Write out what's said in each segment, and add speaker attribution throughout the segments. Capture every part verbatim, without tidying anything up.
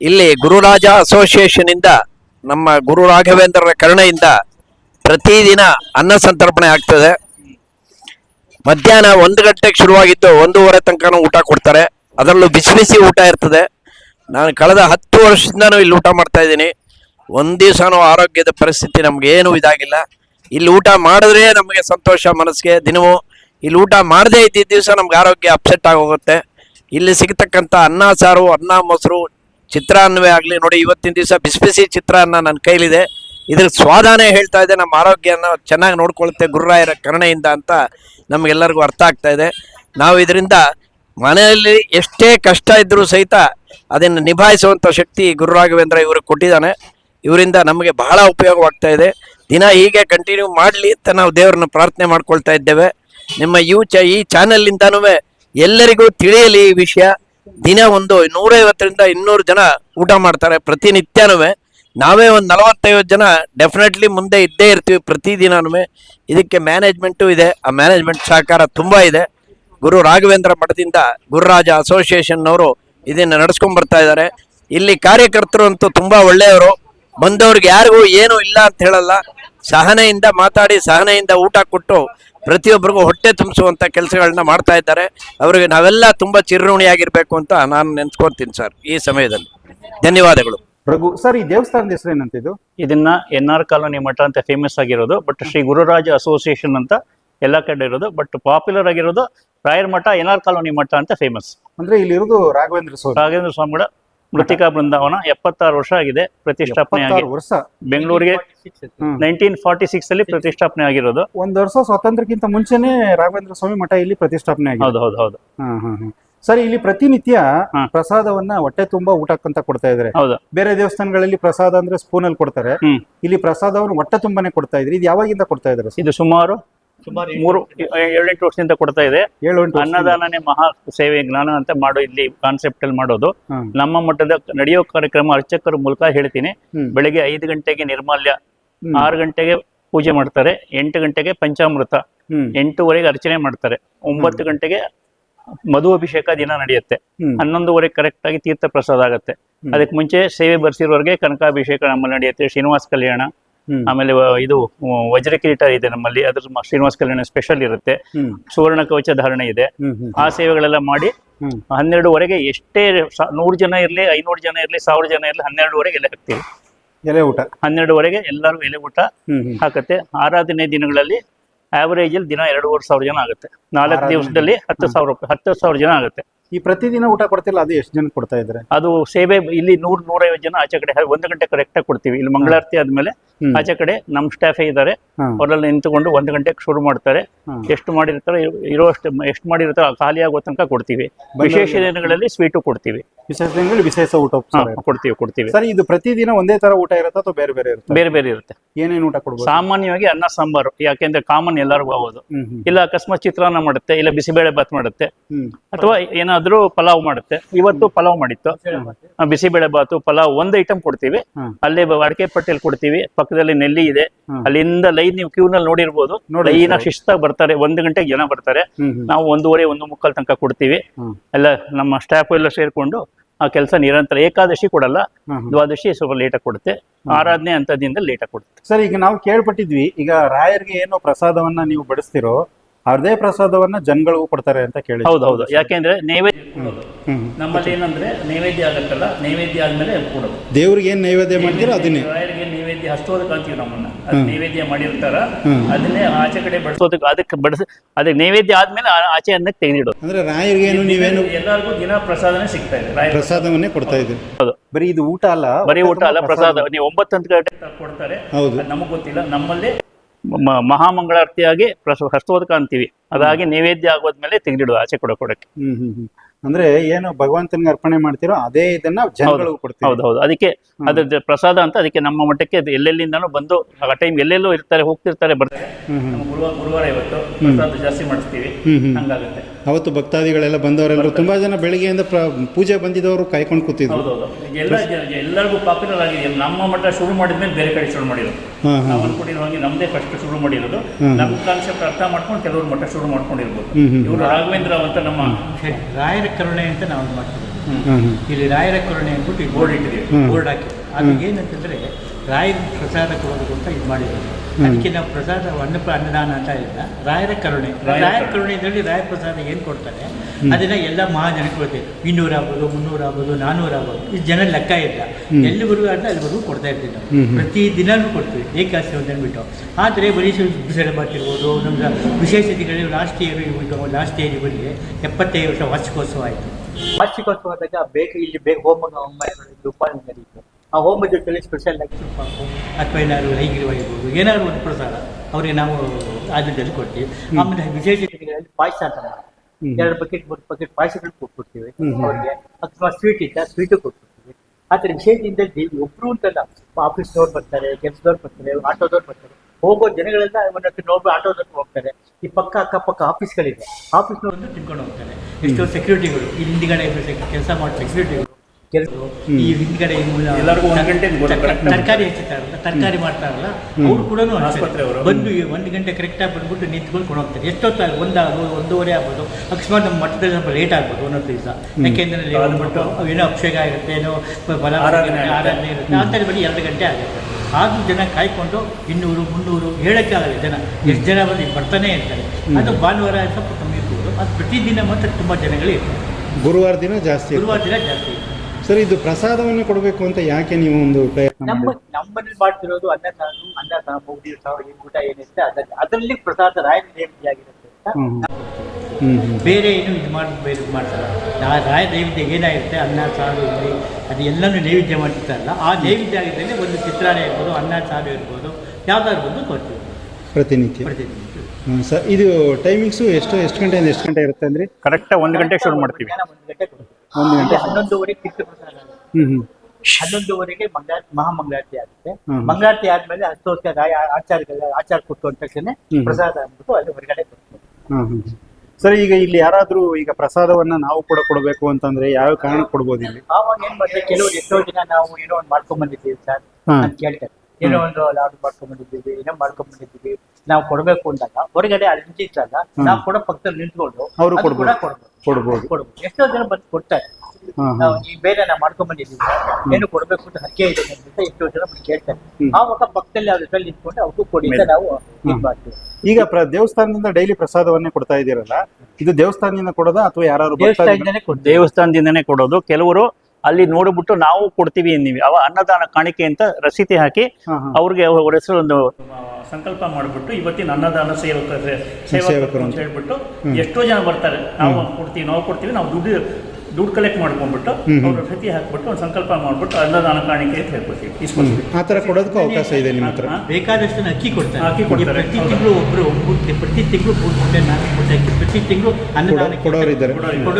Speaker 1: ಇಲ್ಲಿ ಗುರುರಾಜ ಅಸೋಸಿಯೇಷನ್ ಇಂದ ನಮ್ಮ ಗುರು ರಾಘವೇಂದ್ರರ ಕರುಣೆಯಿಂದ ಪ್ರತಿದಿನ ಅನ್ನ ಸಂತರ್ಪಣೆ ಆಗ್ತದೆ. ಮಧ್ಯಾಹ್ನ ಒಂದು ಗಂಟೆಗೆ ಶುರುವಾಗಿದ್ದು ಒಂದೂವರೆ ತನಕ ಊಟ ಕೊಡ್ತಾರೆ. ಅದರಲ್ಲೂ ಬಿಸಿ ಬಿಸಿ ಊಟ ಇರ್ತದೆ. ನಾನು ಕಳೆದ ಹತ್ತು ವರ್ಷದಿಂದನೂ ಇಲ್ಲಿ ಊಟ ಮಾಡ್ತಾ ಇದ್ದೀನಿ. ಒಂದು ದಿವಸನೂ ಆರೋಗ್ಯದ ಪರಿಸ್ಥಿತಿ ನಮ್ಗೆ ಏನು ಇದಾಗಿಲ್ಲ. ಇಲ್ಲಿ ಊಟ ಮಾಡಿದ್ರೆ ನಮಗೆ ಸಂತೋಷ ಮನಸ್ಸಿಗೆ. ದಿನವೂ ಇಲ್ಲಿ ಊಟ ಮಾಡದೇ ಇದ್ದಿದ್ದ ದಿವಸ ನಮ್ಗೆ ಆರೋಗ್ಯ ಅಪ್ಸೆಟ್ ಆಗೋಗುತ್ತೆ. ಇಲ್ಲಿ ಸಿಗ್ತಕ್ಕಂಥ ಅನ್ನ ಸಾರು, ಅನ್ನ ಮೊಸರು, ಚಿತ್ರಾನ್ನವೇ ಆಗಲಿ ನೋಡಿ, ಇವತ್ತಿನ ದಿವಸ ಬಿಸಿ ಬಿಸಿ ಚಿತ್ರಾನ್ನ ನನ್ನ ಕೈಲಿದೆ. ಇದ್ರ ಸ್ವಾದಾನೇ ಹೇಳ್ತಾ ಇದೆ ನಮ್ಮ ಆರೋಗ್ಯನ ಚೆನ್ನಾಗಿ ನೋಡ್ಕೊಳುತ್ತೆ ಗುರುರಾಯರ ಕರುಣೆಯಿಂದ ಅಂತ ನಮಗೆಲ್ಲರಿಗೂ ಅರ್ಥ ಆಗ್ತಾ ಇದೆ. ನಾವು ಇದರಿಂದ ಮನೆಯಲ್ಲಿ ಎಷ್ಟೇ ಕಷ್ಟ ಇದ್ದರೂ ಸಹಿತ ಅದನ್ನು ನಿಭಾಯಿಸುವಂಥ ಶಕ್ತಿ ಗುರು ರಾಘವೇಂದ್ರ ಇವ್ರಿಗೆ ಕೊಟ್ಟಿದ್ದಾನೆ. ಇವರಿಂದ ನಮಗೆ ಬಹಳ ಉಪಯೋಗವಾಗ್ತಾ ಇದೆ. ದಿನ ಹೀಗೆ ಕಂಟಿನ್ಯೂ ಮಾಡಲಿ ಅಂತ ನಾವು ದೇವರನ್ನ ಪ್ರಾರ್ಥನೆ ಮಾಡ್ಕೊಳ್ತಾ ಇದ್ದೇವೆ. ನಿಮ್ಮ ಯು ಚ ಈ ಚಾನಲ್ನಿಂದನೂ ಎಲ್ಲರಿಗೂ ತಿಳಿಯಲಿ ಈ ವಿಷಯ. ದಿನ ಒಂದು ನೂರೈವತ್ತರಿಂದ ಇನ್ನೂರು ಜನ ಊಟ ಮಾಡ್ತಾರೆ ಪ್ರತಿನಿತ್ಯನೂ. ನಾವೇ ಒಂದು ನಲವತ್ತೈವತ್ತು ಜನ ಡೆಫಿನೆಟ್ಲಿ ಮುಂದೆ ಇದ್ದೇ ಇರ್ತೀವಿ ಪ್ರತಿದಿನನೂ. ಇದಕ್ಕೆ ಮ್ಯಾನೇಜ್ಮೆಂಟು ಇದೆ. ಆ ಮ್ಯಾನೇಜ್ಮೆಂಟ್ ಸಹಕಾರ ತುಂಬ ಇದೆ. ಗುರು ರಾಘವೇಂದ್ರ ಮಠದಿಂದ ಗುರುರಾಜ ಅಸೋಸಿಯೇಷನ್ನವರು ಇದನ್ನು ನಡೆಸ್ಕೊಂಡು ಬರ್ತಾ ಇದ್ದಾರೆ. ಇಲ್ಲಿ ಕಾರ್ಯಕರ್ತರು ಅಂತೂ ತುಂಬ ಒಳ್ಳೆಯವರು. ಬಂದವ್ರಿಗೆ ಯಾರಿಗೂ ಏನೂ ಇಲ್ಲ ಅಂತ ಹೇಳಲ್ಲ. ಸಹನೆಯಿಂದ ಮಾತಾಡಿ ಸಹನೆಯಿಂದ ಊಟ ಕೊಟ್ಟು ಪ್ರತಿಯೊಬ್ಬರಿಗೂ ಹೊಟ್ಟೆ ತುಂಬಿಸುವಂಥ ಕೆಲಸಗಳನ್ನ ಮಾಡ್ತಾ ಇದ್ದಾರೆ. ಅವರಿಗೆ ನಾವೆಲ್ಲ ತುಂಬ ಚಿರಋಣಿಯಾಗಿರ್ಬೇಕು ಅಂತ ನಾನು ನೆನ್ಸ್ಕೊತೀನಿ ಸರ್ ಈ ಸಮಯದಲ್ಲಿ. ಧನ್ಯವಾದಗಳು.
Speaker 2: ರಘು ಸರ್, ಈ ದೇವಸ್ಥಾನದ ಹೆಸರು ಏನಂತ? ಇದು
Speaker 3: ಇದನ್ನ ಎನ್ ಆರ್ ಕಾಲೋನಿ ಮಠ ಅಂತ ಫೇಮಸ್ ಆಗಿರೋದು. ಬಟ್ ಶ್ರೀ ಗುರುರಾಜ ಅಸೋಸಿಯೇಷನ್ ಅಂತ ಎಲ್ಲ ಕಡೆ ಇರೋದು. ಬಟ್ ಪಾಪ್ಯುಲರ್ ಆಗಿರೋದು ರಾಯರ ಮಠ, ಎನ್ ಆರ್ ಕಾಲೋನಿ ಮಠ ಅಂತ ಫೇಮಸ್.
Speaker 2: ಅಂದ್ರೆ ಇಲ್ಲಿ ಇರೋದು ರಾಘವೇಂದ್ರ ಸ್ವಾಮಿ
Speaker 3: ರಾಘವೇಂದ್ರ ಸ್ವಾಮಿಗಳ ಮೃತಿಕಾ ಬೃಂದಾವನ. ಎಪ್ಪತ್ತಾರು ವರ್ಷ ಆಗಿದೆ ಪ್ರತಿಷ್ಠಾಪನೆ ಆಗಿ.
Speaker 2: ವರ್ಷ
Speaker 3: ಬೆಂಗಳೂರಿಗೆ ನೈನ್ಟೀನ್ ಫಾರ್ಟಿ ಸಿಕ್ಸ್ ಅಲ್ಲಿ ಪ್ರತಿಷ್ಠಾಪನೆ ಆಗಿರೋದು.
Speaker 2: ಒಂದ್ ವರ್ಷ ಸ್ವಾತಂತ್ರ್ಯಕ್ಕಿಂತ ಮುಂಚೆನೆ ರಾಘವೇಂದ್ರ ಸ್ವಾಮಿ ಮಠ ಇಲ್ಲಿ ಪ್ರತಿಷ್ಠಾಪನೆ ಆಗಿದೆ.
Speaker 3: ಹೌದು ಹೌದು ಹೌದು.
Speaker 2: ಸರಿ, ಇಲ್ಲಿ ಪ್ರತಿನಿತ್ಯ ಪ್ರಸಾದವನ್ನ ಹೊಟ್ಟೆ ತುಂಬಾ ಊಟಕ್ಕಂತ ಕೊಡ್ತಾ ಇದ್ರೆ.
Speaker 3: ಹೌದು.
Speaker 2: ಬೇರೆ ದೇವಸ್ಥಾನಗಳಲ್ಲಿ ಪ್ರಸಾದ ಅಂದ್ರೆ ಸ್ಪೂನ್ ಅಲ್ಲಿ ಕೊಡ್ತಾರೆ. ಇಲ್ಲಿ ಪ್ರಸಾದವನ್ನು ಹೊಟ್ಟೆ ತುಂಬಾನೇ ಕೊಡ್ತಾ ಇದ್ರಿ. ಇದು ಯಾವಾಗಿಂದ ಕೊಡ್ತಾ ಇದ್ದಾರೆ?
Speaker 3: ಇದು ಸುಮಾರು ಮೂರು ಏಳೆಂಟು ವರ್ಷದಿಂದ ಕೊಡ್ತಾ ಇದೆ. ಅನ್ನದಾನನೇ ಮಹಾ ಸೇವೆ ಜ್ಞಾನ ಅಂತ ಮಾಡೋ ಇಲ್ಲಿ ಕಾನ್ಸೆಪ್ಟ್ ಅಲ್ಲಿ ಮಾಡೋದು. ನಮ್ಮ ಮಠದ ನಡೆಯೋ ಕಾರ್ಯಕ್ರಮ ಅರ್ಚಕರ ಮೂಲಕ ಹೇಳ್ತೀನಿ. ಬೆಳಿಗ್ಗೆ ಐದು ಗಂಟೆಗೆ ನಿರ್ಮಾಲ್ಯ, ಆರು ಗಂಟೆಗೆ ಪೂಜೆ ಮಾಡ್ತಾರೆ, ಎಂಟು ಗಂಟೆಗೆ ಪಂಚಾಮೃತ, ಎಂಟೂವರೆಗೆ ಅರ್ಚನೆ ಮಾಡ್ತಾರೆ, ಒಂಬತ್ತು ಗಂಟೆಗೆ ಮಧು ಅಭಿಷೇಕ ದಿನ ನಡೆಯುತ್ತೆ, ಹನ್ನೊಂದುವರೆ ಕರೆಕ್ಟ್ ಆಗಿ ತೀರ್ಥ ಪ್ರಸಾದ ಆಗುತ್ತೆ. ಅದಕ್ಕೆ ಮುಂಚೆ ಸೇವೆ ಬರ್ಸಿರೋರ್ಗೆ ಕನಕಾಭಿಷೇಕ ನಮ್ಮಲ್ಲಿ ನಡೆಯುತ್ತೆ, ಶ್ರೀನಿವಾಸ ಕಲ್ಯಾಣ, ಆಮೇಲೆ ಇದು ವಜ್ರ ಕಿರೀಟ ಇದೆ ನಮ್ಮಲ್ಲಿ, ಅದ್ರ ಶ್ರೀನಿವಾಸ ಕಲ್ಯಾಣ ಸ್ಪೆಷಲ್ ಇರುತ್ತೆ, ಸುವರ್ಣ ಕವಚ ಧಾರಣೆ ಇದೆ. ಆ ಸೇವೆಗಳೆಲ್ಲ ಮಾಡಿ ಹನ್ನೆರಡುವರೆಗೆ ಎಷ್ಟೇ ನೂರು ಜನ ಇರ್ಲಿ, ಐನೂರು ಜನ ಇರ್ಲಿ, ಸಾವಿರ ಜನ ಇರ್ಲಿ, ಹನ್ನೆರಡುವರೆಗೆ ಎಲೆ ಹಾಕ್ತೀವಿ.
Speaker 2: ಎಲೆ ಊಟ ಹನ್ನೆರಡುವರೆಗೆ
Speaker 3: ಎಲ್ಲರೂ ಎಲೆ ಊಟ ಹಾಕತ್ತೆ. ಆರಾಧನೆ ದಿನಗಳಲ್ಲಿ ಆವರೇಜ್ ಅಲ್ಲಿ ದಿನ ಎರಡೂವರೆ ಸಾವಿರ ಜನ ಆಗುತ್ತೆ. ನಾಲ್ಕು ದಿವಸದಲ್ಲಿ ಹತ್ತು ಸಾವಿರ ಹತ್ತು ಸಾವಿರ ಜನ ಆಗುತ್ತೆ.
Speaker 2: ಈ ಪ್ರತಿದಿನ ಊಟ ಕೊಡ್ತಿಲ್ಲ, ಅದು ಎಷ್ಟು ಜನ ಕೊಡ್ತಾ ಇದ್ರೆ?
Speaker 3: ಅದು ಸೇವೆ ಇಲ್ಲಿ ನೂರ್ ನೂರೈವತ್ತು ಜನ ಆಚೆ ಕಡೆ ಒಂದು ಗಂಟೆ ಕರೆಕ್ಟ್ ಆಗಿ ಕೊಡ್ತೀವಿ. ಇಲ್ಲಿ ಮಂಗಳಾರತಿ ಆದ್ಮೇಲೆ ಆಚೆ ಕಡೆ ನಮ್ ಸ್ಟಾಫೇ ಇದ್ದಾರೆ, ಅವರೆಲ್ಲ ನಿಂತುಕೊಂಡು ಒಂದು ಗಂಟೆಗೆ ಶುರು ಮಾಡ್ತಾರೆ. ಎಷ್ಟು ಮಾಡಿರ್ತಾರೆ ಇರೋ ಅಷ್ಟು ಎಷ್ಟು ಮಾಡಿರ್ತಾರೆ ಖಾಲಿ ಆಗೋ ತನಕ ಕೊಡ್ತೀವಿ. ವಿಶೇಷ ದಿನಗಳಲ್ಲಿ ಸ್ವೀಟು ಕೊಡ್ತೀವಿ.
Speaker 2: ವಿಶೇಷ ದಿನಗಳಲ್ಲಿ ವಿಶೇಷ ಊಟ
Speaker 3: ಕೊಡ್ತೀವಿ ಕೊಡ್ತೀವಿ
Speaker 2: ಸರ್, ಇದು ಪ್ರತಿದಿನ ಒಂದೇ ತರ ಊಟ ಇರುತ್ತೆ ಅಥವಾ ಬೇರೆ ಬೇರೆ ಇರುತ್ತೆ?
Speaker 3: ಬೇರೆ ಬೇರೆ ಇರುತ್ತೆ.
Speaker 2: ಏನೇನು ಊಟ ಕೊಡ್ಬೋದು?
Speaker 3: ಸಾಮಾನ್ಯವಾಗಿ ಅನ್ನ ಸಾಂಬಾರು, ಯಾಕೆಂದ್ರೆ ಕಾಮನ್ ಎಲ್ಲರಿಗೂ ಆಗೋದು. ಇಲ್ಲ ಅಕಸ್ಮಾತ್ ಚಿತ್ರಾನ್ನ ಮಾಡುತ್ತೆ, ಇಲ್ಲ ಬಿಸಿಬೇಳೆ ಬಾತ್ ಮಾಡುತ್ತೆ, ಅಥವಾ ಏನಾದ್ರೂ ಪಲಾವ್ ಮಾಡುತ್ತೆ. ಇವತ್ತು ಪಲಾವ್ ಮಾಡಿತ್ತು, ಬಿಸಿಬೇಳೆ ಬಾತು ಪಲಾವ್ ಒಂದು ಐಟಮ್ ಕೊಡ್ತೀವಿ. ಅಲ್ಲೇ ಅಡಕೆ ಪಟ್ಟೆಯಲ್ಲಿ ಕೊಡ್ತೀವಿ. ಪಕ್ಕದಲ್ಲಿ ನೆಲ್ಲಿ ಇದೆ, ಅಲ್ಲಿಂದ ಲೈನ್ ನೀವು ಕ್ಯೂ ನಲ್ಲಿ ನೋಡಿರ್ಬೋದು. ಲೈನ್ ಶಿಸ್ತಾಗಿ ಬರ್ತಾರೆ, ಒಂದು ಗಂಟೆಗೆ ಜನ ಬರ್ತಾರೆ. ನಾವು ಒಂದೂವರೆ ಒಂದು ಮುಕ್ಕಾಲ್ ತನಕ ಕೊಡ್ತೀವಿ. ಎಲ್ಲ ನಮ್ಮ ಸ್ಟಾಫ್ ಎಲ್ಲ ಸೇರ್ಕೊಂಡು ಆ ಕೆಲಸ ನಿರಂತರ. ಏಕಾದಶಿ ಕೊಡಲ್ಲ, ದ್ವಾದಶಿ ಸ್ವಲ್ಪ ಲೇಟಾಗಿ ಕೊಡುತ್ತೆ. ಆರಾಧನೆ ಅಂತದಿಂದ ಲೇಟಾಗಿ ಕೊಡುತ್ತೆ.
Speaker 2: ಸರ್, ಈಗ ನಾವು ಕೇಳ್ಪಟ್ಟಿದ್ವಿ, ಈಗ ರಾಯರ್ಗೆ ಏನೋ ಪ್ರಸಾದವನ್ನ ನೀವು ಬಡಿಸ್ತಿರೋ ಅದೇ ಪ್ರಸಾದವನ್ನ ಜನಗಳಿಗೂ ಕೊಡ್ತಾರೆ ಅಂತ ಕೇಳಿ.
Speaker 3: ಹೌದೌದು, ಯಾಕೆಂದ್ರೆ ನೈವೇದ್ಯ ನಮ್ಮಲ್ಲಿ ಏನಂದ್ರೆ ನೈವೇದ್ಯ ಆಗತ್ತಲ್ಲ, ನೈವೇದ್ಯ ಆದ್ಮೇಲೆ ಕೊಡೋದು.
Speaker 2: ದೇವ್ರಿಗೆ ಏನ್ ನೈವೇದ್ಯ ಮಾಡ್ತೀರೋ ಅದನ್ನೇ
Speaker 3: ರಾಯರಿಗೆ ನೈವೇದ್ಯ ಹಚ್ಚೋದಕ್ಕೆ ಅಂತೀವಿ ನಮ್ಮನ್ನ. ನೈವೇದ್ಯ ಮಾಡಿರ್ತಾರ ಅದನ್ನೇ ಆಚೆ ಕಡೆ ಬಡಿಸೋದಕ್ಕೆ, ಅದಕ್ಕೆ ಬಡಿಸ ಅದಕ್ಕೆ ನೈವೇದ್ಯ ಆದ್ಮೇಲೆ ಆಚೆ ಅನ್ನಕ್ಕೆ ತೆಗೆದಿಡೋದು.
Speaker 2: ಅಂದ್ರೆ ರಾಯರಿಗೆ ಏನು ನೀವೇನು
Speaker 3: ಎಲ್ಲರಿಗೂ ದಿನ ಪ್ರಸಾದನೇ ಸಿಗ್ತಾ ಇದೆ.
Speaker 2: ಪ್ರಸಾದವನ್ನೇ ಕೊಡ್ತಾ ಇದ್ದೀವಿ. ಹೌದು, ಬರೀ ಇದು ಊಟ ಅಲ್ಲ,
Speaker 3: ಬರೀ ಊಟ ಅಲ್ಲ, ಪ್ರಸಾದ. ನೀವು ಒಂಬತ್ತು ಗಂಟೆ ಕೊಡ್ತಾರೆ, ನಮಗ್ ಗೊತ್ತಿಲ್ಲ. ನಮ್ಮಲ್ಲಿ ಮಹಾಮಂಗಳಾರತಿಯಾಗಿ ಹಸ್ತೋದಕ ಅಂತೀವಿ. ಅದಾಗಿ ನೈವೇದ್ಯ ಆಗೋದ್ಮೇಲೆ ತೆಗೆದಿಡೋದು ಆಚೆ ಕೊಡೋ ಕೊಡಕ್ಕೆ.
Speaker 2: ಹ್ಮ್ ಹ್ಮ್ ಹ್ಮ್ ಅಂದ್ರೆ ಏನು ಭಗವಂತನಿಗೆ ಅರ್ಪಣೆ ಮಾಡ್ತಿರೋ ಅದೇ ಇದನ್ನ ಜನಗಳಿಗೂ ಕೊಡ್ತೀವಿ.
Speaker 3: ಹೌದೌದು, ಅದಕ್ಕೆ ಅದ್ರ ಪ್ರಸಾದ ಅಂತ. ಅದಕ್ಕೆ ನಮ್ಮ ಮಠಕ್ಕೆ ಎಲ್ಲೆಲ್ಲಿಂದನೂ ಬಂದು ಆ ಟೈಮ್ ಎಲ್ಲೆಲ್ಲೋ ಇರ್ತಾರೆ, ಹೋಗ್ತಿರ್ತಾರೆ, ಬರ್ತಾರೆ. ಗುರುವಾರ ಗುರುವಾರ ಇವತ್ತು ಪ್ರಸಾದ ಜಾಸ್ತಿ ಮಾಡಿಸ್ತೀವಿ, ಹಂಗಾಗುತ್ತೆ.
Speaker 2: ಅವತ್ತು ಭಕ್ತಾದಿಗಳೆಲ್ಲ ಬಂದವರೆಲ್ಲರೂ ತುಂಬಾ ಜನ ಬೆಳಿಗ್ಗೆಯಿಂದ ಪೂಜೆ ಬಂದಿದ್ದವರು ಕಾಯ್ಕೊಂಡು ಕೂತಿದ್ರು.
Speaker 3: ಹೌದೌದು, ಎಲ್ಲ ಎಲ್ಲರಿಗೂ ಪಾಪ್ಯುಲರ್ ಆಗಿದೆ. ನಮ್ಮ ಮಠ ಶುರು ಮಾಡಿದ್ಮೇಲೆ ಬೇರೆ ಕಡೆ ಶುರು ಮಾಡಿರೋದು. ನಾವು ಅನ್ಕೊಂಡಿರೋ ಹೋಗಿ ನಮ್ದೇ ಫಸ್ಟ್ ಶುರು ಮಾಡಿರೋದು. ನಮ್ಮ ಕಾನ್ಸೆಪ್ಟ್ ಅರ್ಥ ಮಾಡ್ಕೊಂಡು ಕೆಲವರು ಮಠ ಶುರು ಮಾಡ್ಕೊಂಡಿರ್ಬೋದು. ಇವರು ರಾಘವೇಂದ್ರ ಅಂತ ನಮ್ಮ
Speaker 4: ರಾಯರ ಕರುಣೆ ಅಂತ ನಾವು ಮಾಡ್ತೀವಿ.
Speaker 2: ಹ್ಮ್
Speaker 4: ಇಲ್ಲಿ ರಾಯರ ಕರುಣೆ ಅಂದ್ಬಿಟ್ಟು ಬೋರ್ಡ್ ಇಟ್ಟಿದೆ, ಬೋರ್ಡ್ ಹಾಕಿ ಅದು ಏನಂತಂದ್ರೆ ರಾಯರ ಪ್ರಸಾದ ಕೊಡೋದು ಅಂತ ಇದು ಮಾಡಿರೋದು. ಅದಕ್ಕೆ ನಾವು ಪ್ರಸಾದ ಅನ್ನ ಅನ್ನದಾನ ಅಂತ ಇಲ್ಲ, ರಾಯರ ಕರುಣೆ. ರಾಯರ ಕರುಣೆಯಲ್ಲಿ ರಾಯರ ಪ್ರಸಾದ ಏನು ಕೊಡ್ತಾರೆ ಅದನ್ನ ಎಲ್ಲ ಮಹಾಜನಕ್ಕೆ ಕೊಡ್ತೇವೆ. ಇನ್ನೂರು ಆಗ್ಬೋದು, ಮುನ್ನೂರು ಆಗ್ಬೋದು, ನಾನ್ನೂರು ಆಗ್ಬೋದು, ಇಷ್ಟು ಜನ ಲೆಕ್ಕ ಇಲ್ಲ. ಎಲ್ಲಿವರೆಗೂ ಅಂದ್ರೆ ಅಲ್ಲಿವರೆಗೂ ಕೊಡ್ತಾ ಇರ್ತೀವಿ ನಾವು. ಪ್ರತಿ ದಿನಾನೂ ಕೊಡ್ತೀವಿ ಏಕಾಸಿ ಅಂತ ಅಂದ್ಬಿಟ್ಟು. ಆದರೆ ಬರೀ ಬಿಸಿಲ ಮಾಡ್ತಿರ್ಬೋದು. ನಮ್ಗೆ ವಿಶೇಷತೆಗಳು ಲಾಸ್ಟ್ ಇಯರ್ ಇವಾಗ ಲಾಸ್ಟ್ ಇಯರ್ ಇವರಿಗೆ ಎಪ್ಪತ್ತೈದು ವರ್ಷ ವಾರ್ಷಿಕೋತ್ಸವ ಆಯಿತು. ವಾರ್ಷಿಕೋತ್ಸವದಾಗ ಬೇಕು ಇಲ್ಲಿ ಬೇಕು ಹೋಮ ಹೋಮ ಉಪಾಯ ನಡೀತು. ಆ ಹೋಮ ಜೊತೆಲಿ ಸ್ಪೆಷಲ್ ಆಗಿ ಪಾಕು ಅಥವಾ ಏನಾದ್ರು ಹೈಗಿರುವ ಇರ್ಬೋದು, ಏನಾದ್ರು ಒಂದು ಪ್ರಸಾದ ಅವರಿಗೆ ನಾವು ಆದ್ಯತೆಯಲ್ಲಿ ಕೊಡ್ತೀವಿ. ಆಮೇಲೆ ವಿಶೇಷತೆಗಳಲ್ಲಿ ಪಾಯಸ ಅಂತ ಮಾಡ್ತೀವಿ. ಎರಡು ಬಕೆಟ್ ಮೂರು ಬಕೆಟ್ ಪಾಯಸಗಳು ಕೊಟ್ಬಿಡ್ತೀವಿ ಅವ್ರಿಗೆ. ಅಕಸ್ಮಾತ್ ಸ್ವೀಟ್ ಇದ್ದ ಸ್ವೀಟು ಕೊಟ್ಬಿಡ್ತೀವಿ. ಆ ಥರ ವಿಶೇಷದಿಂದ ಒಬ್ಬರು ಅಂತಲ್ಲ, ಆಫೀಸ್ನವ್ರು ಬರ್ತಾರೆ, ಕೆಲಸದವ್ರು ಬರ್ತಾರೆ, ಆಟೋದವ್ರು ಬರ್ತಾರೆ. ಹೋಗೋ ಜನಗಳೆಲ್ಲ ಒಂದೊಂದು ನೋಡ್ಬೋದು, ಆಟೋದವ್ರು ಹೋಗ್ತಾರೆ. ಈ ಪಕ್ಕ ಅಕ್ಕಪಕ್ಕ ಆಫೀಸ್ಗಳಿದೆ, ಆಫೀಸ್ನವ್ರನ್ನು ತಿನ್ಕೊಂಡು ಹೋಗ್ತಾರೆ. ಎಷ್ಟೋ ಸೆಕ್ಯೂರಿಟಿಗಳು ಈ ಹಿಂದಿಗಡೆ ಕೆಲಸ ಮಾಡೋ ಸೆಕ್ಯೂರಿಟಿಗಳು ಕೆಲವರು ಈ ಹಿಂದ್ಗಡೆ
Speaker 3: ಎಲ್ಲರಿಗೂ ಒಂದು ಗಂಟೆ
Speaker 4: ತರಕಾರಿ ಹೆಚ್ಚುತ್ತಾರಲ್ಲ, ತರಕಾರಿ ಮಾಡ್ತಾರಲ್ಲ, ಅವರು ಕೂಡ ಬಂದು ಒಂದು ಗಂಟೆ ಕರೆಕ್ಟಾಗಿ ಬಂದ್ಬಿಟ್ಟು ನಿಂತ್ಕೊಂಡು ಕೊಂಡು ಎಷ್ಟೊತ್ತು ಒಂದಾಗೋ ಒಂದೂವರೆ ಆಗ್ಬೋದು. ಅಕಸ್ಮಾತ್ ನಮ್ಮ ಮಠದಲ್ಲಿ ಸ್ವಲ್ಪ ಲೇಟ್ ಆಗ್ಬೋದು ಒಂದೊಂದು ದಿವಸ. ಯಾಕೆಂದ್ರೆ ಬಂದ್ಬಿಟ್ಟು ಏನೋ ಅಭಿಷೇಕ ಇರುತ್ತೆ, ಏನೋ ಬಲ ಆರಾಧನೆ ಇರುತ್ತೆ, ಅಂತ ಬರೀ ಎರಡು ಗಂಟೆ ಆಗುತ್ತೆ. ಆದರೂ ಜನ ಕಾಯ್ಕೊಂಡು ಇನ್ನೂರು ಮುನ್ನೂರು ಹೇಳೋಕ್ಕೆ ಆಗಲ್ಲ ಜನ ಎಷ್ಟು ಜನ ಬಂದು ಬರ್ತಾನೆ ಇರ್ತಾರೆ. ಅದು ಭಾನುವಾರ ಸ್ವಲ್ಪ ಕಮ್ಮಿ ಇರ್ಬೋದು. ಅದು ಪ್ರತಿದಿನ ಮಾತ್ರ ತುಂಬ ಜನಗಳು ಇರ್ತಾರೆ.
Speaker 2: ಗುರುವಾರ ದಿನ ಜಾಸ್ತಿ
Speaker 4: ಗುರುವಾರ ದಿನ ಜಾಸ್ತಿ.
Speaker 2: ಸರ್, ಇದು ಪ್ರಸಾದವನ್ನು ಕೊಡಬೇಕು ಅಂತ ಯಾಕೆ ನೀವು ಒಂದು ಪ್ರಯತ್ನ
Speaker 4: ನಮ್ಮ ನಮ್ಮಲ್ಲಿ ಮಾಡ್ತಿರೋದು ಅನ್ನ ಸಾರು, ಅನ್ನ ಸಾರು, ಮುಗ್ದಿರೋ ಸಾರು, ಏನು ಊಟ ಏನಿರುತ್ತೆ ಅದರಲ್ಲಿ ಅದರಲ್ಲಿ ಪ್ರಸಾದ ರಾಯನ ನೈವೇದ್ಯ ಆಗಿರುತ್ತೆ ಅಂತ. ಬೇರೆ ಏನು ಇದು ಮಾಡಿ ಬೇರೆ ಇದು ಮಾಡ್ತಾರೆ. ರಾಯ ನೈವೇದ್ಯ ಏನಾಗಿರುತ್ತೆ ಅನ್ನ ಸಾರು ಇರಲಿ ಅದು ಎಲ್ಲನೂ ನೈವೇದ್ಯ ಮಾಡ್ತಿರ್ತಾರಲ್ಲ, ಆ ನೈವೇದ್ಯ ಆಗಿದ್ದಲ್ಲಿ ಒಂದು ಚಿತ್ರಾನ್ನ ಇರ್ಬೋದು, ಅನ್ನ ಸಾರು ಇರ್ಬೋದು, ಯಾವ್ದಾದ್ರು ಬಂದು ಕೊಡ್ತೀವಿ
Speaker 2: ಪ್ರತಿನಿತ್ಯ.
Speaker 4: ಪ್ರತಿನಿತ್ಯ
Speaker 2: ಸರ್, ಇದು ಟೈಮಿಂಗ್ಸು ಎಷ್ಟು ಎಷ್ಟು ಗಂಟೆಯಿಂದ ಎಷ್ಟು ಗಂಟೆ ಇರುತ್ತೆ ಅಂದರೆ?
Speaker 3: ಕರೆಕ್ಟಾಗಿ ಒಂದು ಗಂಟೆಗೆ ಶುರು ಮಾಡ್ತೀವಿ.
Speaker 4: ಒಂದು ಗಂಟೆ ಕೊಡ್ತೀವಿ.
Speaker 2: ಒಂದು ಗಂಟೆ
Speaker 4: ಹನ್ನೊಂದುವರೆಗೆ ತೀರ್ಥ ಪ್ರಸಾದ ಆಗುತ್ತೆ.
Speaker 2: ಹ್ಮ್ ಹ್ಮ್
Speaker 4: ಹನ್ನೊಂದುವರೆಗೆ ಮಂಗಳ ಮಹಾಮಂಗಳಾರತಿ ಆಗುತ್ತೆ. ಮಂಗಳಾರತಿ ಆದ್ಮೇಲೆ ಹಸ್ತೋತ್ಸವ ಆಚಾರ್ಯಗಳ ಆಚಾರ ಕೊಟ್ಟು ಅಂದ ತಕ್ಷಣ ಪ್ರಸಾದ ಅಂದ್ಬಿಟ್ಟು ಅಲ್ಲಿ ಹೊರಗಡೆ ಕೊಡ್ತೀವಿ.
Speaker 2: ಹ್ಮ್ ಹ್ಮ್ ಸರ್, ಈಗ ಇಲ್ಲಿ ಯಾರಾದ್ರೂ ಈಗ ಪ್ರಸಾದವನ್ನ ನಾವು ಕೂಡ ಕೊಡಬೇಕು ಅಂತಂದ್ರೆ ಯಾವ ಕಾರಣಕ್ಕೆ ಕೊಡ್ಬೋದು ಇಲ್ಲಿ?
Speaker 4: ಆವಾಗ ಏನ್ ಮಾಡ್ತಾರೆ, ಕೆಲವರು ಎಷ್ಟೋ ಜನ ನಾವು ಏನೋ ಒಂದು ಮಾಡ್ಕೊಂಡ್ ಬಂದಿದ್ದೀವಿ ಸರ್ ಅಂತ ಕೇಳ್ತಾರೆ. ಏನೋ ಒಂದು ಲಾಡು ಮಾಡ್ಕೊಂಡ್ ಬಂದಿದ್ದೀವಿ, ಏನೋ ಮಾಡ್ಕೊಂಡ್ ಬಂದಿದ್ದೀವಿ, ನಾವು ಕೊಡ್ಬೇಕು ಅಂದಾಗ ಹೊರಗಡೆ ಅಲ್ಲಿ ನಿಂತಿದ್ದಾಗ ನಾವು ಕೂಡ ಪಕ್ಕದಲ್ಲಿ ನಿಂತ್ಕೊಂಡು
Speaker 2: ಅವರು
Speaker 4: ಅದು ಕೂಡ
Speaker 2: ಕೊಡ್ಬೋದು
Speaker 4: ಕೊಡ್ಬೋದು
Speaker 2: ಕೊಡ್ಬೋದು
Speaker 4: ಕೊಡ್ಬೋದು ಎಷ್ಟೋ ಜನ ಬಂದು ಕೊಡ್ತಾರೆ. ನಾವು ಈ ಬೇರೆ ನಾವು ಮಾಡ್ಕೊಂಡ್ ಬಂದಿದ್ದೀವಿ, ಏನು ಕೊಡ್ಬೇಕು ಅಂತ ಹರಕೆ ಇದೆ ಅಂತ ಎಷ್ಟೋ ಜನ ಬಂದು ಕೇಳ್ತಾರೆ. ಆವಾಗ ಪಕ್ಕದಲ್ಲಿ ಅವ್ರ ಜೊತೆ ನಿಂತ್ಕೊಂಡು ಅವ್ರಿಗೂ ಕೊಡಿ ಅಂತ ನಾವು ಇದು ಮಾಡ್ತೀವಿ.
Speaker 2: ಈಗ ಪ್ರ- ದೇವಸ್ಥಾನದಿಂದ ಡೈಲಿ ಪ್ರಸಾದವನ್ನೇ ಕೊಡ್ತಾ ಇದ್ದೀರಲ್ಲ, ಇದು ದೇವಸ್ಥಾನದಿಂದ ಕೊಡೋದಾ ಅಥವಾ ಯಾರು
Speaker 4: ದೇವಸ್ಥಾನದಿಂದನೇ ಕೊಡ್ತೀವಿ.
Speaker 3: ದೇವಸ್ಥಾನದಿಂದನೇ ಕೊಡೋದು. ಕೆಲವರು ಅಲ್ಲಿ ನೋಡ್ಬಿಟ್ಟು ನಾವು ಕೊಡ್ತೀವಿ ಅನ್ನೀವಿ. ಅವ ಅನ್ನದಾನ ಕಾಣಿಕೆ ಅಂತ ರಸೀತಿ ಹಾಕಿ ಅವ್ರಿಗೆ ಅವ್ರ ಹೆಸರು ಒಂದು ಸಂಕಲ್ಪ ಮಾಡಿಬಿಟ್ಟು ಇವತ್ತಿನ ಅನ್ನದಾನ ಸೇವಕ ಸೇವಕರು ಅಂತ ಹೇಳ್ಬಿಟ್ಟು ಎಷ್ಟೋ ಜನ ಬರ್ತಾರೆ. ನಾವು ಕೊಡ್ತೀವಿ ನಾವು ಕೊಡ್ತೀವಿ ನಾವು ದುಡ್ಡು ದುಡ್ಡು ಕಲೆಕ್ಟ್ ಮಾಡ್ಕೊಂಡ್ಬಿಟ್ಟು ಅವ್ರ ಪ್ರತಿ ಹಾಕ್ಬಿಟ್ಟು ಒಂದು ಸಂಕಲ್ಪ ಮಾಡ್ಬಿಟ್ಟು ಅನ್ನದಾನ ಕಾಣಿಕೆ ಅಂತ ಹೇಳ್ಕೊತೀವಿ. ಇಸ್ಕೊತೀವಿ.
Speaker 2: ಆ ಥರ ಕೊಡೋದಕ್ಕೂ ಅವಕಾಶ ಇದೆ ನಿಮ್ಮ ಹತ್ರ?
Speaker 4: ಬೇಕಾದಷ್ಟು ಅಕ್ಕಿ ಕೊಡ್ತಾರೆ.
Speaker 3: ಅಕ್ಕಿ ಕೊಡ್ತಾರೆ.
Speaker 4: ಪ್ರತಿ ತಿಂಗಳು ಒಬ್ರು ಮೂರು ಪ್ರತಿ ತಿಂಗಳು ಮೂರು ಮೂಟೆ ನಾಲ್ಕು ಮೂಟೆ ಅಕ್ಕಿ ಪ್ರತಿ ತಿಂಗಳು ಅನ್ನದಾನ
Speaker 2: ಕೊಡೋರಿದ್ದಾರೆ.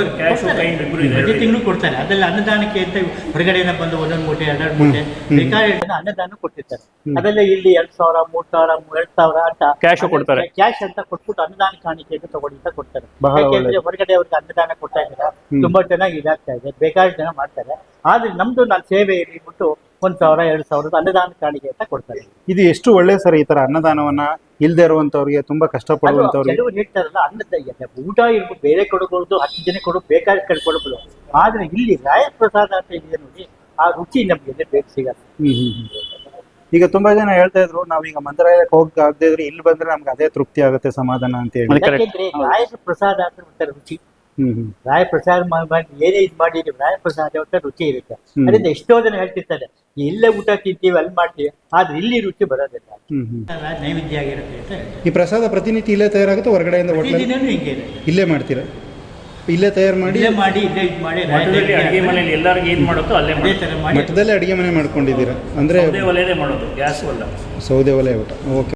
Speaker 4: ಪ್ರತಿ ತಿಂಗಳು ಕೊಡ್ತಾರೆ. ಅದೆಲ್ಲ ಅನ್ನದಾನಕ್ಕೆ ಅಂತ ಹೊರಗಡೆಯಿಂದ ಬಂದು ಒಂದೊಂದು ಮೂಟೆ ಎರಡೆರಡು ಮೂಟೆ ಬೇಕಾದ ಅನ್ನದಾನ ಕೊಟ್ಟಿರ್ತಾರೆ. ಅದೆಲ್ಲ ಇಲ್ಲಿ ಎರಡ್ ಸಾವಿರ ಮೂರ್ ಸಾವಿರ ಎರಡ್ ಸಾವಿರ ಅಂತ
Speaker 3: ಕ್ಯಾಶ್ ಕೊಡ್ತಾರೆ.
Speaker 4: ಕ್ಯಾಶ್ ಅಂತ ಕೊಟ್ಬಿಟ್ಟು ಅನ್ನದಾನ ಕಾಣಿಕೆ ಅಂತ ತಗೊಂಡು ಅಂತ ಕೊಡ್ತಾರೆ. ಯಾಕೆಂದ್ರೆ ಹೊರಗಡೆ ಅವ್ರಿಗೆ ಅನ್ನದಾನ ಕೊಡ್ತಾ ಇದ್ದಾರೆ, ತುಂಬಾ ಚೆನ್ನಾಗಿ ಇದಾಗ್ತಾ ಇದೆ, ಬೇಕಾದಷ್ಟು ಜನ ಮಾಡ್ತಾರೆ. ಆದ್ರೆ ನಮ್ದು ನಾನು ಸೇವೆ ಇಟ್ಬಿಟ್ಟು ಒಂದ್ ಸಾವಿರ ಎರಡ್ ಸಾವಿರದ ಅನ್ನದಾನ ಕಾಣಿಕೆ ಅಂತ ಕೊಡ್ತಾರೆ.
Speaker 2: ಇದು ಎಷ್ಟು ಒಳ್ಳೆ ಸರ್, ಈ ತರ ಅನ್ನದಾನವನ್ನ ಇಲ್ದೇ ಇರುವಂತವ್ರಿಗೆ, ತುಂಬಾ ಕಷ್ಟಪಡುವಂತವ್ರಿಗೆ.
Speaker 4: ಕೆಲವರು ಹೇಳ್ತಾರಲ್ಲ ಅನ್ನದ ಊಟ ಇರ್ಬೋದು, ಬೇರೆ ಕೊಡಬಹುದು, ಹತ್ತು ಜನ ಕೊಡು ಬೇಕಾದ ಕಡೆ ಕೊಡಬಹುದು. ಆದ್ರೆ ಇಲ್ಲಿ ರಾಯ ಪ್ರಸಾದ ಅಂತ ಇದೆ ನೋಡಿ, ಆ ರುಚಿ ನಮ್ಗೆ ಬೇಕು ಸಿಗಲ್ಲ.
Speaker 2: ಹ್ಮ್ ಹ್ಮ್ ಈಗ ತುಂಬಾ ಜನ ಹೇಳ್ತಾ ಇದ್ರು ನಾವೀಗ ಮಂತ್ರಾಲಯಕ್ಕೆ ಹೋಗಕ್ ಆಗದೆ ಇದ್ರೆ ಇಲ್ಲಿ ಬಂದ್ರೆ ನಮ್ಗೆ ಅದೇ ತೃಪ್ತಿ ಆಗುತ್ತೆ, ಸಮಾಧಾನ ಅಂತ ಹೇಳಿ.
Speaker 4: ಯಾಕೆಂದ್ರೆ ರಾಯ ಪ್ರಸಾದ ಅಂತ ಒಂಥರ ರುಚಿ.
Speaker 2: ಹ್ಮ್ ಹ್ಮ್
Speaker 4: ರಾಯ ಪ್ರಸಾದ ಮಾಡಿ ಏನೇ ಇದು ಮಾಡಿದೀವಿ, ರಾಯ ಪ್ರಸಾದ ಒಂಥರ ರುಚಿ ಇರುತ್ತೆ. ಅದರಿಂದ ಎಷ್ಟೋ ಜನ ಹೇಳ್ತಿರ್ತಾರೆ ಇಲ್ಲೇ ಊಟ ತಿಂತೀವಿ ಅಲ್ಲಿ ಮಾಡ್ತೀವಿ, ಆದ್ರೆ ಇಲ್ಲಿ ರುಚಿ ಬರೋದಿಲ್ಲ.
Speaker 2: ಹ್ಮ್ ಹ್ಮ್
Speaker 4: ನೈವೇದ್ಯ ಆಗಿರುತ್ತೆ ಅಂತ ಹೇಳ್ತಾರೆ.
Speaker 2: ಈ ಪ್ರಸಾದ ಪ್ರತಿನಿತ್ಯ ಇಲ್ಲೇ ತಯಾರಾಗುತ್ತೆ ಹೊರಗಡೆಯಿಂದ?
Speaker 4: ಪ್ರತಿದಿನನೂ ಹಿಂಗೆ ಇದೆ.
Speaker 2: ಇಲ್ಲೇ ಮಾಡ್ತೀರಾ? ಇಲ್ಲೇ ತಯಾರು ಮಾಡಿ
Speaker 4: ಇಲ್ಲೇ ಮಾಡಿ ಇಲ್ಲೇ ಇದು ಮಾಡಿ
Speaker 3: ಅಡುಗೆ ಮನೆಯಲ್ಲಿ ಎಲ್ಲರಿಗೂ ಏನ್ ಮಾಡೋದು ಅಲ್ಲೇ
Speaker 4: ಅದೇ ತರ ಮಾಡಿ
Speaker 2: ಮಠದಲ್ಲೇ ಅಡಿಗೆ ಮನೆ ಮಾಡ್ಕೊಂಡಿದ್ದೀರಾ ಅಂದ್ರೆ?
Speaker 3: ಸೌದೆ ಒಲೆಯಲ್ಲೇ ಮಾಡೋದು, ಗ್ಯಾಸ್ ಒಲ್ಲ.
Speaker 2: ಸೌದೆ ಒಲೆ ಊಟ. ಓಕೆ.